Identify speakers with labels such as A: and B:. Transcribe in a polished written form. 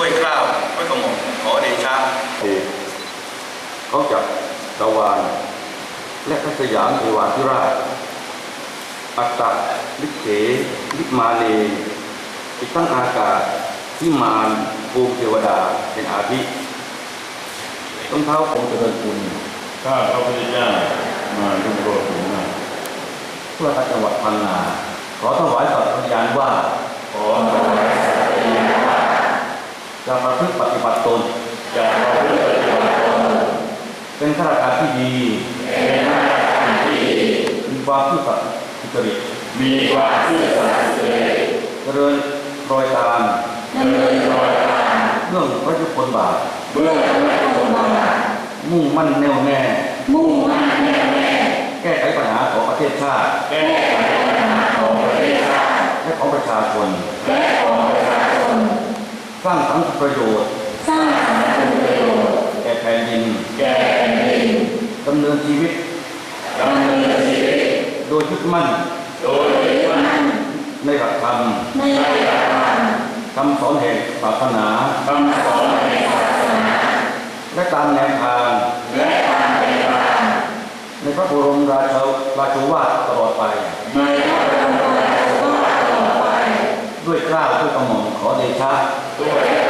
A: ด้วยเกล้าด้วยกระหม่อมขอเดชะ
B: เขาจับตะวันและพระสยามเทวาธิราชอัตตลิเขลิมาเลอีกทั้งอากาศที่มารภูมิเทวดาเป็นอาทิต้องเท้าผมเจริญคุณ
C: ข้าพระพุทธเจ้ามาลุงโรดถึงมา
B: เพื่อจังหวัดพังงาขอถวายสัตย์ปฏิญาณว่า
C: ขอถวายสัตย์ปฏิญาณว่า
B: จะประพฤติปฏิบัติตน
C: จะประพฤติปฏิบัติตน
B: เป็นข้าราชการที่ดี
C: เป็นข้าราชการที่ดี
B: มีความซื่อสัตย์สุจริต
C: มีความซื่อสัตย์สุจริต
B: เจริญรอยตามเรื่องพระยุคลบาทมุ่งมั่นแน่วแน่แก้ไขปัญหาของประเทศชาติและของประชาชนสร้างสังคมประโยชน์แก่แผ่นดินดำเนินชีวิตโดยยึดมั่นในหลักธรรมคำสอนแห่งศาสนาและตามแนวทางในพระบรมราโชวาทตลอดไปด้วยเกล้าด้วยกระหม่อมขอเดชะ